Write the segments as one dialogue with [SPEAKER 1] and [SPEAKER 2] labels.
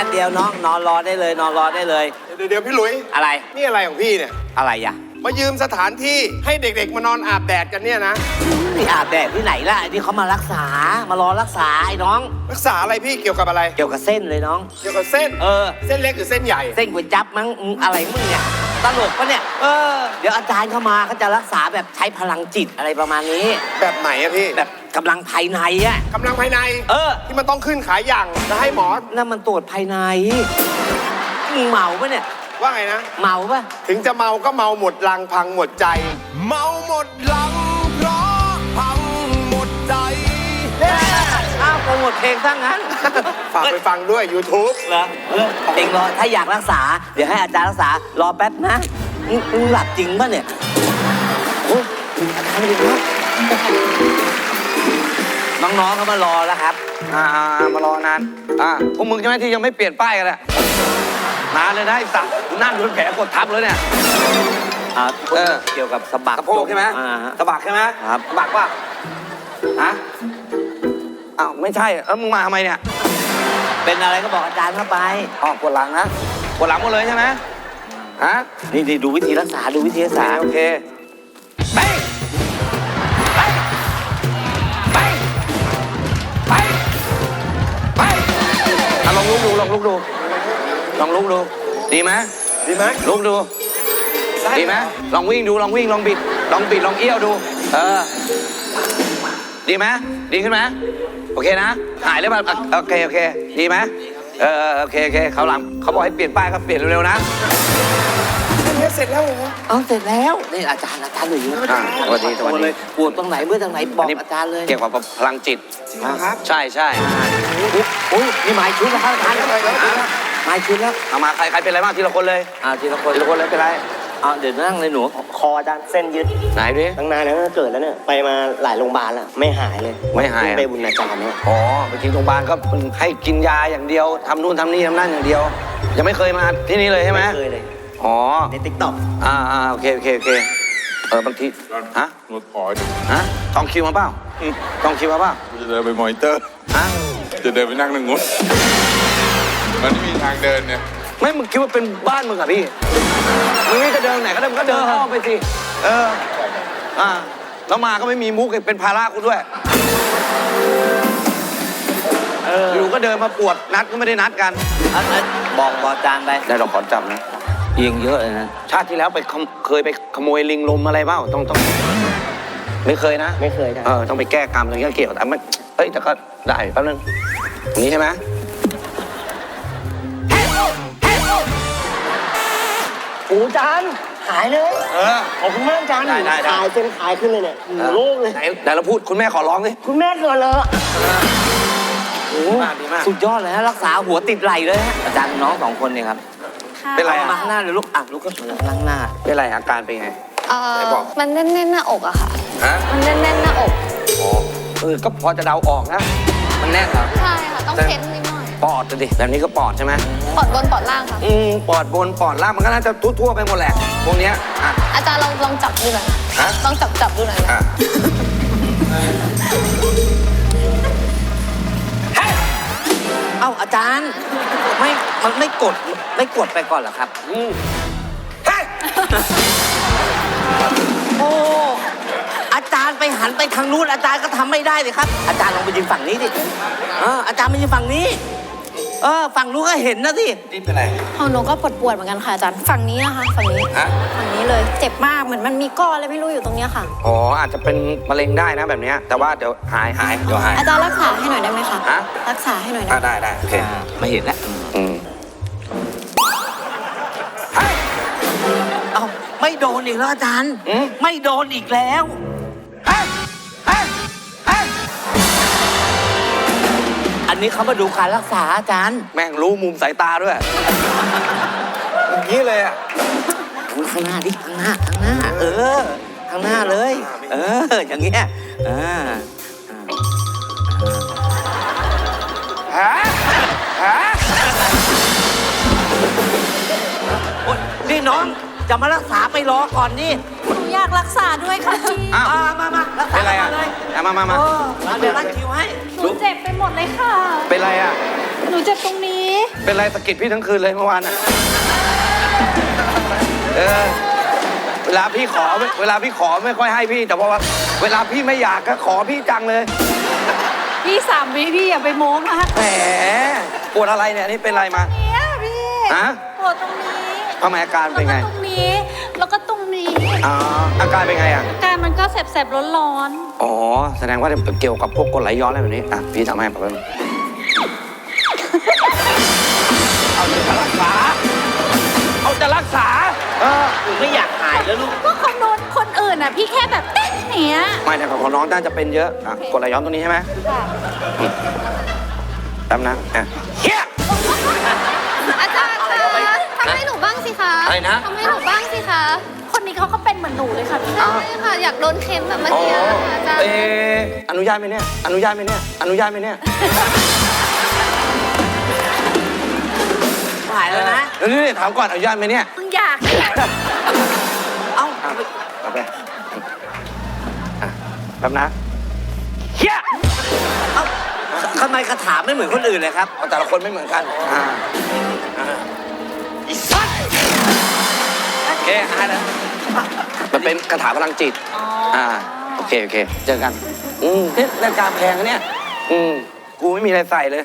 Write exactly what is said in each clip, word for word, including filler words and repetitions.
[SPEAKER 1] เดียวน้องนอนรอได้เลยนอนรอได้เลย
[SPEAKER 2] เดี๋ยวเดี๋ยวพี่หลุย
[SPEAKER 1] อะไร
[SPEAKER 2] นี่อะไรของพี่เนี่ย
[SPEAKER 1] อะไรอ่ะ
[SPEAKER 2] มายืมสถานที่ให้เด็กๆมานอนอาบแดดกันเนี่ยนะ
[SPEAKER 1] นี่อาบแดดที่ไหนล่ะที่เขามารักษามารอรักษาไอ้น้อง
[SPEAKER 2] รักษาอะไรพี่เกี่ยวกับอะไร
[SPEAKER 1] เกี่ยวกับเส้นเลยน้อง
[SPEAKER 2] เกี่ยวกับเส้น
[SPEAKER 1] เออ
[SPEAKER 2] เส้นเล็กหรือเส้นใหญ่
[SPEAKER 1] เส้นก๋วยจั๊บมั้งอะไรมึงเนี่ยตลกปะเนี่ยเออเดี๋ยวอาจารย์เข้ามาเขาจะรักษาแบบใช้พลังจิตอะไรประมาณนี้
[SPEAKER 2] แบบไหนอะพี่
[SPEAKER 1] แบบกำลังภายในอะ
[SPEAKER 2] กำลังภายใน
[SPEAKER 1] เออ
[SPEAKER 2] ที่มันต้องขึ้นขายอย่างจะให้หมอ
[SPEAKER 1] นั่นมันตรวจภายในมึงเมาปะเนี่ย
[SPEAKER 2] ว่าไงนะ
[SPEAKER 1] เมาปะ
[SPEAKER 2] ถึงจะเมาก็เมาหมดลังพังหมดใจเมาหมดลังเพราะพังหมดใจ
[SPEAKER 1] อ้าวโปรโมทเพลงซะงั้น
[SPEAKER 2] ฝากไปฟังด้วย YouTube
[SPEAKER 1] เหรอเออเองรอถ้าอยากรักษาเดี๋ยวให้อาจารย์รักษารอแป๊บนะมึงหลับจริงปะเนี่ยโอ้อาจารย์ดีมากน้องๆเขามารอแล้วครับ
[SPEAKER 3] อ่ามารอนานอ่าพวกมึงใช่ไหมที่ยังไม่เปลี่ยนป้ายกันแหละนานเลยนะไอ้สัตว์นั่งโดนแผลกดทับเลยเนี่ย
[SPEAKER 1] อ่าเออเกี่ยวกับสะบัก
[SPEAKER 3] สะโพกใช่ไหมสะบักใช่ไหม
[SPEAKER 1] ครับ
[SPEAKER 3] สะบักว่าฮะอ้าวไม่ใช่แล้วมึงมาทำไมเนี่ย
[SPEAKER 1] เป็นอะไรก็บอกอาจารย์เข้าไป
[SPEAKER 3] อ๋อปวดหลังนะปวดหลังหมดเลยใช่ไหมฮะ
[SPEAKER 1] นี่นี่ดูวิธีรักษาดูวิธีรักษา
[SPEAKER 3] โอเคไปไปไปไปไปลองลุกดูลองลุกดูลองลุกดูดีไหม
[SPEAKER 2] ดีไหม
[SPEAKER 3] ลุกดูดีไหมลองวิ่งดูลองวิ่งลองบิดลองบิดลองเอี้ยวดูเออดีไหมดีขึ้นไหมโอเคนะหายแล้วป่ะโอเคโอเคดีไหมเออโอเคโอเคเขาหลังเขาบอกให้เปลี่ยนป้ายก็เปลี่ยนเร็วๆนะ
[SPEAKER 2] เสร็จแล้วเหรอ
[SPEAKER 1] เอาเสร็จแล้วนี่อาจารย์อาจารย์หนุ่ย
[SPEAKER 3] สวัสดีสวัสดี
[SPEAKER 1] ปวดตรงไหนเมื่อตรงไหนบอกอาจารย์เลย
[SPEAKER 3] เกี่ยวกับพลังจิต
[SPEAKER 2] ครับ
[SPEAKER 3] ใช่ใช่
[SPEAKER 1] โอ้ยนี่หมายชุดแล้วครับอาจารย์หมายชุดแล้ว
[SPEAKER 3] เอามาใครใครเป็นอะไรบ้างทีละคนเลย
[SPEAKER 1] อ่าทีละคน
[SPEAKER 3] ทีละคนเลยเป็นไร
[SPEAKER 1] เอาเดี๋ยวนั่งเลยหนู
[SPEAKER 4] คออาจารย์เส้นยึด
[SPEAKER 3] ไหนดิ
[SPEAKER 4] ตั้งนานแล้วเกิดแล้วเนี่ยไปมาหลายโรงพยาบาลแล้วไม่หายเลย
[SPEAKER 3] ไม่หาย
[SPEAKER 4] ไปบุญอาจารย์เนี่ย
[SPEAKER 3] อ๋อไปกินโรงพยาบาลก็ให้กินยาอย่างเดียวทำนู่นทำนี่ทำนั่นอย่างเดียวยังไม่เคยมาที่นี่เลยใช่ไหม
[SPEAKER 4] ไม่เคยเลย
[SPEAKER 3] อ๋อ
[SPEAKER 4] ในติ๊กต็อก
[SPEAKER 3] อ่าอ่าโอเคโอเคโอเคเออบางทีฮะ
[SPEAKER 5] รถขอดู
[SPEAKER 3] ฮะจองคิวมาเปล่าจองคิวมาเปล่า
[SPEAKER 5] จะเดินไปมอนิเตอร์
[SPEAKER 3] ฮะ
[SPEAKER 5] จะเดินไปนั่งนั่งงดมันไม่มีทางเดินเนี่ย
[SPEAKER 3] ไม่มึงคิดว่าเป็นบ้านมึงเหรอพี่มึงนี่จะเดินไหนก็ได้มึงก็เดินอ้อมไปสิเอออ่าแล้วมาก็ไม่มีมุกเป็นภาระกูด้วยเอออยู่ก็เดินมาปวดนัดก็ไม่ได้นัดกัน
[SPEAKER 1] บอกบอกอาจารย์ไป
[SPEAKER 3] ได้เราขอจับนะ
[SPEAKER 1] เอียงเยอะเลยนะ
[SPEAKER 3] ชาติที่แล้วไปเคยไปขโมยลิงลมอะไรบ้างต้องต้องไม่เคยนะ
[SPEAKER 4] ไม่เคยนะ
[SPEAKER 3] เออต้องไปแก้กรรมตรงนี้เกี่ยวแต่ไม่เอ้ยแต่ก็ได้แป๊บนึงอย่างนี้ใช่ไหม
[SPEAKER 4] โอ้จานหายเลย
[SPEAKER 3] เออ
[SPEAKER 4] ขอบคุณมากจานขายเส้นขายขึ้นเลยเนี่ยโล่งเลย
[SPEAKER 3] ไหนไหนเราพูดคุณแม่ขอร้องสิ
[SPEAKER 4] คุณแม่เกิดเลย
[SPEAKER 1] โอ้ดีมากสุดยอดเลยฮะรักษาหัวติดไหลเลยฮะอาจารย์น้องสองคนเนี่ยครับ
[SPEAKER 3] เป็นไร
[SPEAKER 1] มาหน้าเลยลูกอ่ะลูกก็นั่งหน้า
[SPEAKER 3] เป็นไรอาการเป็นไง
[SPEAKER 6] เออมันแน่นๆหน้าอกอะค่ะ
[SPEAKER 3] ฮะ
[SPEAKER 6] มันแน่นๆหน้าอก
[SPEAKER 3] อ๋อเออก็พอจะเดาออกนะมันแน่นเหรอ
[SPEAKER 6] ใช่ค่ะต้องเค้นนิดหน่อย
[SPEAKER 3] ปอดดิแบบนี้ก็ปอดใช่ไหม
[SPEAKER 6] ปอดบนปอดล่างค่ะ
[SPEAKER 3] อืมปอดบนปอดล่างมันก็น่าจะทั่วๆไปหมดแหละพวกเนี้ยอ่ะ
[SPEAKER 6] อาจารย์ลองลองจับดูหน่อย
[SPEAKER 3] ฮะ
[SPEAKER 6] ลองจับจับดูหน่อยนะ
[SPEAKER 1] เอ้าอาจารย์ไม่มันไม่กดไม่กดไปก่อนเหรอครับ
[SPEAKER 3] อืม
[SPEAKER 1] โอ้อาจารย์ไปหันไปทางนู้นอาจารย์ก็ทำไม่ได้เลยครับอาจารย์ลองไปยืนฝั่งนี้ดิเอออาจารย์ไปยืนฝั่งนี้เออฝั่งนู้นก็เห็นนะสิ
[SPEAKER 3] นี่เป็นไร
[SPEAKER 6] ของหนูก็ปวดปวดเหมือนกันค่ะอาจารย์ฝั่งนี้นะคะฝั่งนี้ฝั่งนี้เลยเจ็บมากเหมือนมันมีก้อนอะไรไม่รู้อยู่ตรงนี้ค่ะ
[SPEAKER 3] อ๋ออาจจะเป็นมะเร็งได้นะแบบนี้แต่ว่าเดี๋ยวหายหายเดี๋ยวหาย
[SPEAKER 6] อาจารย์รักษาให้หน่อยได้ไหมคะ
[SPEAKER 3] ฮะ
[SPEAKER 6] รักษาให้หน่อย
[SPEAKER 3] ได้ได้โอเค
[SPEAKER 1] ไม่เห็นแล้ว
[SPEAKER 3] อืม
[SPEAKER 1] เอ้าไม่โดนอีกแล้วอาจารย์ไม่โดนอีกแล้วอันนี้เขามาดูการรักษาอาจารย์
[SPEAKER 3] แม่งรู้มุมสายตาด้วยอย่างนี้เลยอ่ะ
[SPEAKER 1] ข้างหน้าดิข้างหน้าข้างหน้าเออข้างหน้าเลยเอออย่างเงี้ยอ่า
[SPEAKER 3] ฮะฮะ
[SPEAKER 1] นี่น้องจะมารักษาไปรอก่อนนี่
[SPEAKER 6] หนูอยากรักษาด้วยค่ะพี่
[SPEAKER 1] อ่ามามารักษาเลย
[SPEAKER 3] มามามามา
[SPEAKER 1] เดี๋ยวรักคิวให้
[SPEAKER 6] หนูเจ็บไปหมดเลยค่ะ
[SPEAKER 3] เป็นไรอ่ะ
[SPEAKER 6] หนูเจ็บตรงนี้
[SPEAKER 3] เป็นไรสะกิดพี่ทั้งคืนเลยเมื่อวานอ่ะ เออ เวลาพี่ขอ เวลาพี่ขอไม่ค่อยให้พี่ แต่ว่าเวลาพี่ไม่อยากก็ขอพี่จังเลย
[SPEAKER 6] พี่สามวิพี่อย่าไปโม้มาก
[SPEAKER 3] แหมปวดอะไรเนี่ย นี่เป็นอะไรมา
[SPEAKER 6] เนี่ยพี่
[SPEAKER 3] ฮะ
[SPEAKER 6] ปวดตรงนี้
[SPEAKER 3] ทำไมอาการเป็นไง
[SPEAKER 6] แล้วก็ตรงนี้ แล้วก็ตรงนี้
[SPEAKER 3] อ๋อ อาการเป็นไงอ่ะ
[SPEAKER 6] อาการมันก็แสบๆร้อน
[SPEAKER 3] อ๋อ แสดงว่าเกี่ยวกับพวกกรดไหลย้อนอะไรแบบนี้ อ่ะ พี่ทำให้แบบนี้เอาจะรักษา เอาจะรักษา เออ
[SPEAKER 1] ผมไม่อยากหายแล้วลูก
[SPEAKER 6] ๆก็คนโน้นคนอื่นอ่ะ พี่แค่แบบเต้นเนี้ย
[SPEAKER 3] ไม่แต่ของน้องน่าจะเป็นเยอะ อ่ะกรดไหลย้อนตัวนี้ใช่ไหม
[SPEAKER 6] ค่ะ
[SPEAKER 3] แป๊บนะอ่ะเฮีย
[SPEAKER 6] อาจารย์คะทำให้หนูบ้างสิคะ
[SPEAKER 3] อะไรนะ
[SPEAKER 6] ทำให้หนูบ้างสิคะ คนนี้เขาก็เป็นเหมือนหนูเลยค่ะพี่ใช่ค่ะ อยากโดนเค้นแบบเมื่อ
[SPEAKER 3] อ๋อ
[SPEAKER 6] กี้อะค่ะอาจารย์
[SPEAKER 3] เอออนุญาตไหมเนี่ย อนุญาตไหมเนี่ย อนุญาตไหมเนี่ย
[SPEAKER 1] หายแล้วนะ
[SPEAKER 3] เดี๋ยวนี่ถามก่อนอนุญาตไหมเนี่ย
[SPEAKER 6] มึงอยาก
[SPEAKER 1] เอ้า
[SPEAKER 3] เอาเอาไปอ่ะแป๊บนะเฮีย
[SPEAKER 1] เอ้าทำไมคาถาไม่เหมือนคนอื่นเลยครับ
[SPEAKER 3] เอาแต่ละคนไม่เหมือนกัน อ่าอ่าอีสัตว์โอเคหายแล้วมันเป็นคาถาพลังจิต อ่า โอเค โอเค เจอกัน อืมเนี่ยนาฬิกาแพงนะเนี่ย อืม กูไม่มีอะไรใส่เลย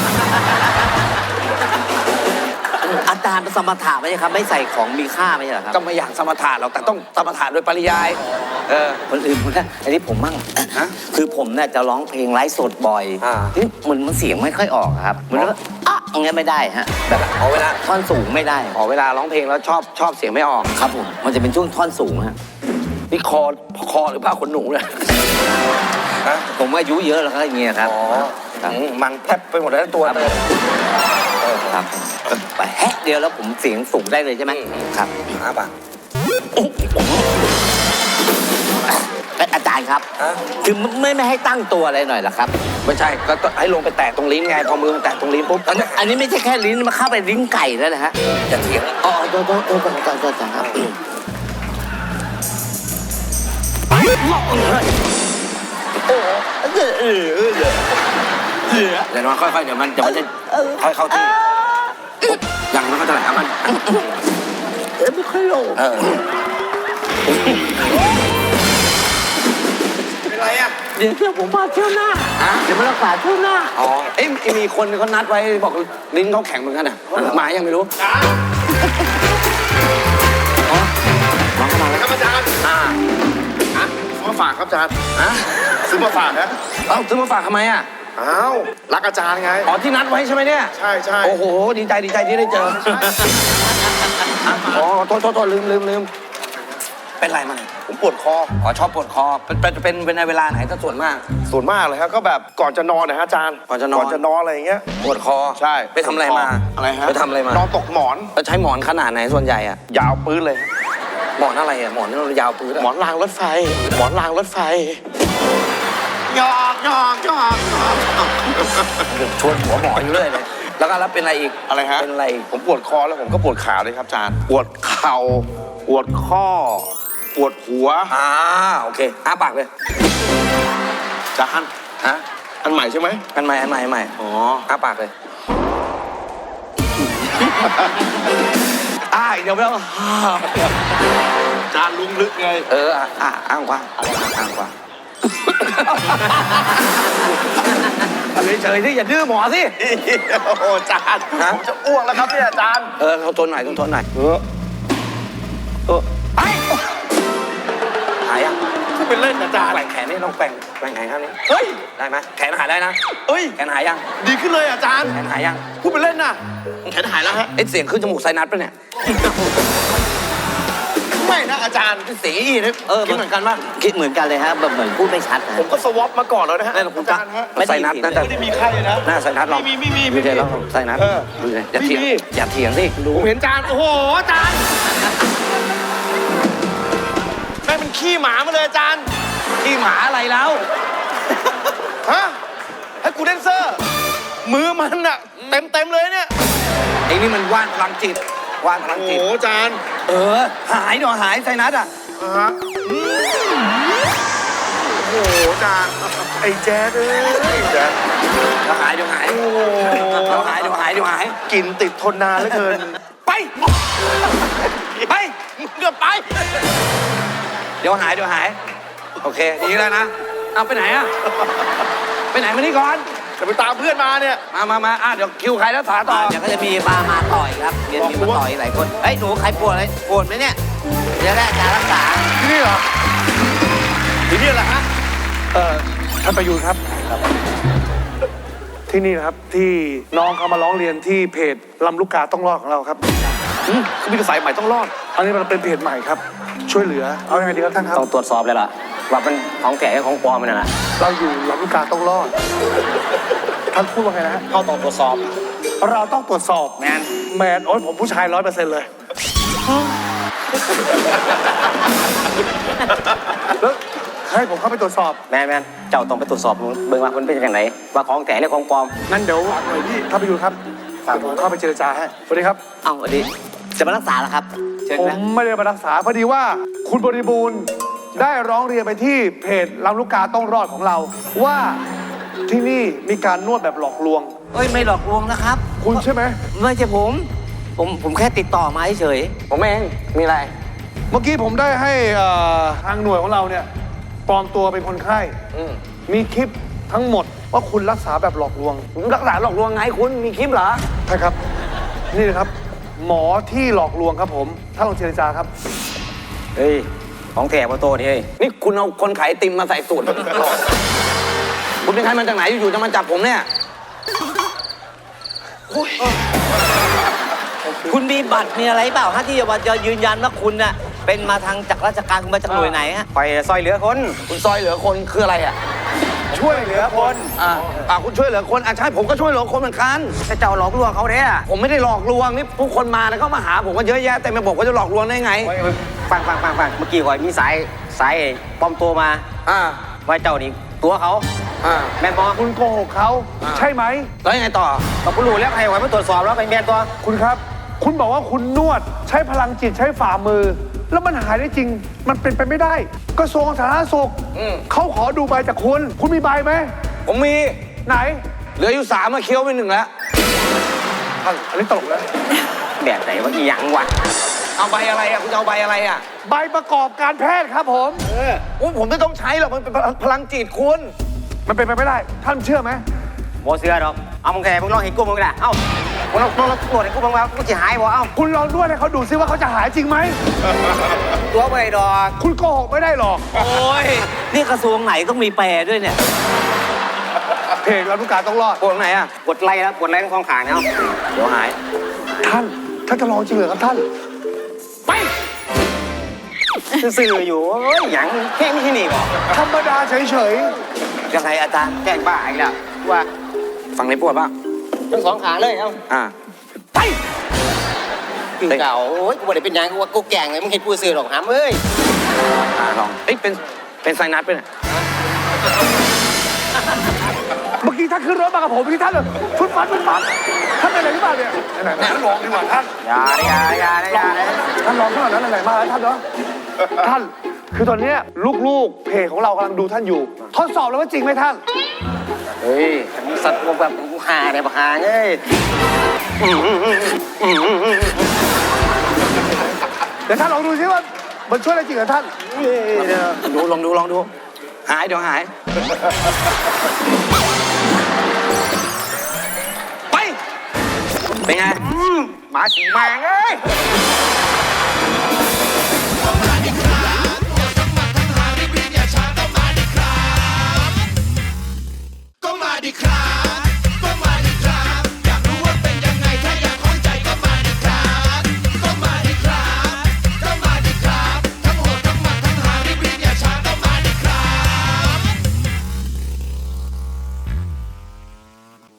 [SPEAKER 1] อาจารย์เป็นสมถะไม่ใช่ครับ ไม่ใส่ของมีค่าไม่ใช่เหรอครับ
[SPEAKER 3] ก็ไม่อยากสมถะหรอก แต่ต้องสมถะโดยปริยาย เออ
[SPEAKER 1] คนอื่นผมนะอันนี้ผมมั่ง
[SPEAKER 3] ฮะ
[SPEAKER 1] คือผมเนี่ยจะร้องเพลงไลฟ์สดบ่อย
[SPEAKER 3] อ่า
[SPEAKER 1] ที่เหมือนมันเสียงไม่ค่อยออกครับเหมือนว่าอ่ะอย่างเงี้ยไม่ได้ฮะแบบ
[SPEAKER 3] ขอเวลา
[SPEAKER 1] ท่อนสูงไม่ได้
[SPEAKER 3] ขอเวลาร้องเพลงแล้วชอบชอบเสียงไม่ออก
[SPEAKER 1] ครับผมมันจะเป็นช่วงท่อนสูงฮะ
[SPEAKER 3] นี่คอคอหรือผ้าขนหนูเนี่ยฮะ
[SPEAKER 1] ผมอายุเยอะแล้วก็อย่างเงี้ยครับ
[SPEAKER 3] อ๋อ
[SPEAKER 1] ครับ
[SPEAKER 3] อืมมันแทบไปหมดแล้วตัวเลย
[SPEAKER 1] ครับไปแฮะเดียวแล้วผมเสียงสูงได้เลยใช่ไหมครับ
[SPEAKER 3] อาปะ
[SPEAKER 1] เอ้ยอาจารย์ครับ
[SPEAKER 3] ฮะ
[SPEAKER 1] คือไม่ไม่ให้ตั้งตัวอะไรหน่อยเหรอครับ
[SPEAKER 3] ไม่ใช่ก็ต้องให้ลงไปแตะตรงลิ้นไง พอมือมันแตะตรงลิ้นปุ๊บ
[SPEAKER 1] อันนี้อันนี้ไม่ใช่แค่ลิ้นมันเข้าไปลิ้นไก่แล้วนะฮะ
[SPEAKER 3] จะเถียง
[SPEAKER 1] อ๋อโทษโทษโทษโทษโทษโทษครับ โอ้เออเออเออ
[SPEAKER 3] เดี๋ยวมันค่อยๆ เดี๋ยวมันเดี๋ยวมันจะค่อยเข้าที่ยังมันก็จะไหลมัน
[SPEAKER 1] เออไม่ค่อยลง
[SPEAKER 3] เออ
[SPEAKER 2] เป็นไรอ่ะ
[SPEAKER 1] เดี๋ยวเที่ยวผมมาเที่ยวหน้า
[SPEAKER 3] ฮะ
[SPEAKER 1] เดี๋ยวมารักษาเที่ยวหน้า
[SPEAKER 3] อ๋อ เอ้ยมีคนเขานัดไว้บอกลิ้นเขาแข็งเหมือนกันอ่ะหมายังไม่รู้
[SPEAKER 1] น้องเข้ามาแล้ว
[SPEAKER 2] ครับอาจารย์
[SPEAKER 3] อ่า
[SPEAKER 2] อ่ะซื้อมาฝากครับอาจารย์
[SPEAKER 3] ฮะ
[SPEAKER 2] ซื้อมาฝากนะ
[SPEAKER 3] เอ้าซื้อมาฝากทำไมอ่ะ
[SPEAKER 2] อ้าวรักอาจารย์ไง
[SPEAKER 3] อ๋อที่นัดไว้ใช่ไหมเนี่ย
[SPEAKER 2] ใช่ใช่
[SPEAKER 3] โอ้โห ดีใจดีใจที่ได้เจออ่ะอ๋อโทษโทษโทษลืมลืมลืมเป็นไรมา
[SPEAKER 2] ผมปวดคอ
[SPEAKER 3] อ๋อชอบปวดคอ เป็นเป็นเป็นเป็นในเวลาไหนถ้าส่วนมาก
[SPEAKER 2] ส่วนมากเลยครับก็แบบก่อนจะนอนนะฮะอาจารย์
[SPEAKER 3] ก่อนจะนอน
[SPEAKER 2] ก่อนจะนอนอะไรอย่างเงี้ย
[SPEAKER 3] ปวดคอ
[SPEAKER 2] ใช่
[SPEAKER 3] ไปทำอะไรมา
[SPEAKER 2] อะไรฮะ
[SPEAKER 3] ไปทำอะไรมาน
[SPEAKER 2] อนตกหมอน
[SPEAKER 3] แล้วใช้หมอนขนาดไหนส่วนใหญ่อะ
[SPEAKER 2] ยาวปื้นเลย
[SPEAKER 3] หมอนอะไรอะหมอนที่เรายาวปื้ดอะ
[SPEAKER 2] หมอนรางรถไฟ หมอนรางรถไฟหยอกหยอกหยอกหยอก
[SPEAKER 3] ชวนหัวหมออยู่เรื่อยเลย แล้วก็แล้วเป็นอะไรอีก
[SPEAKER 2] อะไรฮะ
[SPEAKER 3] เป็นอะไรอีก
[SPEAKER 2] ผมปวดคอแล้วผมก็ปวดขาเลยครับอาจารย์ ปวดเข่า ปวดข้อ ปวดหัว
[SPEAKER 3] อ่าโอเคอ้าปากเลย
[SPEAKER 2] อาจารย์
[SPEAKER 3] ฮะ
[SPEAKER 2] อันใหม่ใช่ไหม
[SPEAKER 3] อันใหม่อันใหม่อันใหม่
[SPEAKER 2] อ๋อ
[SPEAKER 3] อ้าปากเลยอ้าเดี๋ยวไม่ต้อง
[SPEAKER 2] อาจารย์ลุงลึกไง
[SPEAKER 3] เอออ่ะอ่ะอ้างกว่าอะไรนะอ้างกว่าเฉยๆที่อย่าดื้อหมอสิ
[SPEAKER 2] โอ้โหอาจารย์
[SPEAKER 3] ฮะ
[SPEAKER 2] ผมจะอ้วกแล้วครับเนี่ยอาจารย์
[SPEAKER 3] เออเขาทนหน่อยต้องทนหน่อย
[SPEAKER 2] เออ
[SPEAKER 3] เออไอ้หายยัง
[SPEAKER 2] ถ้าเป็นเล่นอาจารย์
[SPEAKER 3] แกว่งแขนนี่ต้องแกว่งแกว่งแขนข้างนี้
[SPEAKER 2] เฮ้ย
[SPEAKER 3] ได้ไหมแขนหายได้นะ
[SPEAKER 2] เฮ้ย
[SPEAKER 3] แขนหายยัง
[SPEAKER 2] ดีขึ้นเลยอาจารย์
[SPEAKER 3] แขนหายยัง
[SPEAKER 2] พูดเป็นเล่นน่ะแขนหายแล้วฮะ
[SPEAKER 3] ไอ้เสียงขึ้นจมูกไซนัสปะเนี่ย
[SPEAKER 2] ไม่นะอาจารย์
[SPEAKER 3] เสียงอีนะเออคิดเหมือนกันป่ะ
[SPEAKER 1] คิดเหมือนกันเลยฮะแบบเหมือนพูดไม่ชัดนะ
[SPEAKER 2] ผมก็สวอปมาก่อนแล้วนะฮะ
[SPEAKER 3] นั่นแหละคุณ
[SPEAKER 2] อาจารย์ฮะ
[SPEAKER 3] ไซนัสน่าจะ
[SPEAKER 2] ไม่ได้มีไข้เลยนะ
[SPEAKER 3] หน้าไซนัสลอง
[SPEAKER 2] ไม่มีไม่มี
[SPEAKER 3] ดู
[SPEAKER 2] ไม่
[SPEAKER 3] เดี๋
[SPEAKER 2] มี
[SPEAKER 3] ยวลองไซนัส
[SPEAKER 2] เออ
[SPEAKER 3] ดูเลยอย่าเถียง
[SPEAKER 2] ไม่มี
[SPEAKER 3] อย่าเถียงสิดู
[SPEAKER 2] ผมเห็นอาจารย์โอ้โหอาจารย์แม่งเป็นขี้หมามาเลยอาจารย์
[SPEAKER 3] ที่หมาอะไรแล้ว
[SPEAKER 2] ฮะให้กูแดนเซอร์ มือมันอะเต็มเต็มๆเลยเนี่ย
[SPEAKER 3] ไอ้นี่มันว่านพลังจิตว่านพลัง
[SPEAKER 2] โอ้
[SPEAKER 3] จิต
[SPEAKER 2] โหอาจารย์
[SPEAKER 3] เออ หายเดี๋ยวหายไซนัสอ่ะ
[SPEAKER 2] อ่าฮะโหอาจารย์ไอ้แจ๊ดเอ้ยแจ๊ด
[SPEAKER 3] เดี๋ยวหายเดี๋ยวหายเดี๋ยวหายเดี๋ยวหายเดี๋ยวหาย
[SPEAKER 2] กลิ่นติดทนนานเหลือเกิน
[SPEAKER 3] ไป ไป
[SPEAKER 1] เกือบไป
[SPEAKER 3] เดี๋ยวหายเดี๋ยวหาย โอเค ดีแล้วนะ เอาไปไหนอะไปไหนมานี่ก่อน
[SPEAKER 2] จะไปตามเพื่อนมาเนี่ย
[SPEAKER 3] มามามาอ่ะเดี๋ยวคิวใครรักษาต่อ
[SPEAKER 1] เดี๋ยวก็จะมีมามาต่อยครับเดี๋ยวมีมาต่อยหลายคนเฮ้ยหนูใครปวดอะไรปวดไหมเนี่ยเดี๋ยวแรกจะรักษา
[SPEAKER 2] ที่นี่เหรอที่นี่แหละฮะ
[SPEAKER 7] เอ่อท่านประยูนครับ ที่นี่นะครับที่น้องเขามาร้องเรียนที่เพจลำลูกกาต้องรอดของเราครับ
[SPEAKER 3] เขามีกระสายใหม่ต้องรอด
[SPEAKER 7] อันนี้มันเป็นเพจใหม่ครับ ช่วยเหลือเอายังไงดีครับท่านครับ
[SPEAKER 4] ต้องตรวจสอบเลยล่ะ ว่าเป็นของแก่ของปลอมมันน่ะนะ
[SPEAKER 7] เราอยู่ลำลูกกาต้องรอดท่านพูดว่าไงนะฮะ
[SPEAKER 4] เข้าต้องตรวจสอบ
[SPEAKER 7] เราต้องตรวจสอบแมนแมนโอ้ยผมผู้ชายร้อยเปอร์เซ็นต์เลยแล้วให้ผมเข้าไปตรวจสอบ
[SPEAKER 4] แมนแมนเจ้าต้องไปตรวจสอบเบิ่งว่ามันเป็นอย่างไรว่าของแก่หรือของปลอม
[SPEAKER 7] งั้นเดี๋ยวหน่อยพี่ท่านประยูนครับฝากผมเข้าไปเจรจาให้สวัสดีครับ
[SPEAKER 1] เอ้าสวัสดีจะมารักษาเหรอครับเชิญ
[SPEAKER 7] ผม
[SPEAKER 1] นะ
[SPEAKER 7] ไม่ได้มารักษาพอดีว่าคุณบริบูรณ์ได้ร้องเรียนไปที่เพจลำลูกกาต้องรอดของเรา ว่าที่นี่มีการนวดแบบหลอกลวง
[SPEAKER 1] เอ้ยไม่หลอกลวงนะครับ
[SPEAKER 7] คุณใช่ไหม
[SPEAKER 1] ไม่ใช่ผม ผมผมแค่ติดต่อมาเฉย
[SPEAKER 3] ผมเอง มีอะไร
[SPEAKER 7] เมื่อกี้ผมได้ให้เอ่อทางหน่วยของเราเนี่ยปลอมตัวเป็นคนไข้
[SPEAKER 3] อืม
[SPEAKER 7] มีคลิปทั้งหมดว่าคุณรักษาแบบหลอกลวง
[SPEAKER 3] รักษาหลอกลวงไงคุณ มีคลิปเหรอ
[SPEAKER 7] ใช่ครับ นี่นะครับ หมอที่หลอกลวงครับผมถ้านลองเจรจาครับ
[SPEAKER 4] เฮ้ย ของแก่มาโตนี่เฮ้ย
[SPEAKER 3] นี่คุณเอาคนขายไอติมมาใส่สูตร คุณเป็นใครมาจากไหนอยู่ๆจะมาจับผมเนี่ย
[SPEAKER 1] ๆคุณมีบัตรมีอะไรเปล่าฮะที่จะยืนยันว่าคุณน่ะเป็นมาทางจากราชการคุณมาจากหน่วยไหนฮะ
[SPEAKER 4] ไปซอยเหลือคน
[SPEAKER 3] คุณซอยเหลือคนคืออะไรอ่ะ
[SPEAKER 7] ช่วยเหลือคน
[SPEAKER 3] อ่าอ่าคุณช่วยเหลือคนอ่ะใช่ผมก็ช่วยเหลือคนเหมือนกัน
[SPEAKER 4] แต่เจ้าหลอกลวงเขาเนี่ย
[SPEAKER 3] ผมไม่ได้หลอกลวงนี่ผู้คนมาแล้วก็มาหาผมก็เยอะแยะแต่ไม่บอกว่าจะหลอกลวงได้ไง
[SPEAKER 4] ฟังฟังฟังฟังเมื่อกี้ก่อนมีสายสายปลอมตัวมา
[SPEAKER 3] อ่า
[SPEAKER 4] ว่าเจ้านี่ตัวเขา
[SPEAKER 3] อ่า
[SPEAKER 4] แมนบอ
[SPEAKER 7] คุณโกหกเขาใช่ไหม
[SPEAKER 3] แล้วยังไงต่อ
[SPEAKER 4] เราคุณรู้แล้วใครไว้มาตรวจสอบแล้วเป็นแมนตัว
[SPEAKER 7] คุณครับ คุณบอกว่าคุณนวดใช้พลังจิตใช้ฝ่ามือ แล้วมันหายได้จริง มันเป็นไปไม่ได้กระทรวงสาธารณสุข
[SPEAKER 3] อืม
[SPEAKER 7] เขาขอดูใบจากคุณ คุณมีใบไหม
[SPEAKER 3] ผมมี
[SPEAKER 7] ไหน
[SPEAKER 3] เหลืออยู่สามมาเคี้ยวไปหนึ่งแล้ว
[SPEAKER 7] อ่ะอันนี้ตลกแล้ว
[SPEAKER 4] แบบไหนว่าอีหยังวะ
[SPEAKER 3] เอาใบอะไรอ่ะคุณจะเอาใบอะไรอ่ะ
[SPEAKER 7] ใบประกอบการแพทย์ครับผม
[SPEAKER 3] โอ้ยผมไม่ต้องใช้หรอกมันเป็นพลังจิตคุณ
[SPEAKER 7] มันเป็นไปไม่ได้ ท่านเชื่อไหม
[SPEAKER 4] โมเสือดอก เอามึงแกมึงลองเห็นกูมึงก็ได้เอ้ามึงลองลองลองตรวจให้กูมึงว่ากูจะหายบ่เอ้า
[SPEAKER 7] คุณลองนวดให้เขาดูซิว่าเขาจะหายจริงไหม
[SPEAKER 4] ตัวไปดอก
[SPEAKER 7] คุณโกหกไม่ได้หรอก
[SPEAKER 1] โอ้ยนี่กระทรวงไหนต้องมีแปรด้วยเนี่ย
[SPEAKER 7] เพจรับลูกกาต้องรอด
[SPEAKER 3] ปวดตรงไหนอ่ะ
[SPEAKER 4] กดไล่แล้วกดไล่ทั้งสองขางเนี่ยเอ้า
[SPEAKER 3] เดี๋ยวหาย
[SPEAKER 7] ท่าน ท่านจะลองจริงเหรอครับท่าน
[SPEAKER 4] ซื่อๆอยู่เอ้ยหยังแค่ไม่ที่นี่บ่
[SPEAKER 7] ธรรมดาเฉย
[SPEAKER 1] ยังไงอาจารย์
[SPEAKER 4] แกล้งบ้าอีกแล้วว่า
[SPEAKER 3] ฝั่งไหนปวดบ้าง
[SPEAKER 4] ทั้งสองขางเลยเอ้า
[SPEAKER 3] อ่า
[SPEAKER 4] คือเก่าโอ้ยกูบ่ได้เป็นหยังกูว่ากูแกล้งเลยมึงเห็นกูซื่อหรอกหามเอ้ย
[SPEAKER 3] อ่าลองเอ้ยเป็นเป็นไซนัสเป็นย
[SPEAKER 7] ๆ เมื่อกี้ท่านขึ้นรถมากับผมเมื่อกี้ท่านเลยฟุดฟัดฟุดฟัดท่านเป็นอะไรหรือเปล่าเนี่ยไหนๆท่านลองดีกว่าท่าน
[SPEAKER 4] อย่าอย่าอย่าอย่าเลย
[SPEAKER 7] ท่านลองขนาดนั้นไหนๆมาแล้วท่านเนาะ ท่าน คือตอนเนี้ยลูกๆ เพจของเรากำลังดูท่านอยู่ ทดสอบแล้วว่าจริงไหมท่าน
[SPEAKER 4] เฮ้ยมึงสัตว์พวกแบบกูหาเนี่ยบักหาเอ้ย
[SPEAKER 7] เดี๋ยวท่านลองดูซิว่ามันช่วยได้จริงเหรอท่าน
[SPEAKER 3] ดูลองดูลองดู หายเดี๋ยวหาย ไป เป็นไง
[SPEAKER 4] หมาสีแมงเอ้ย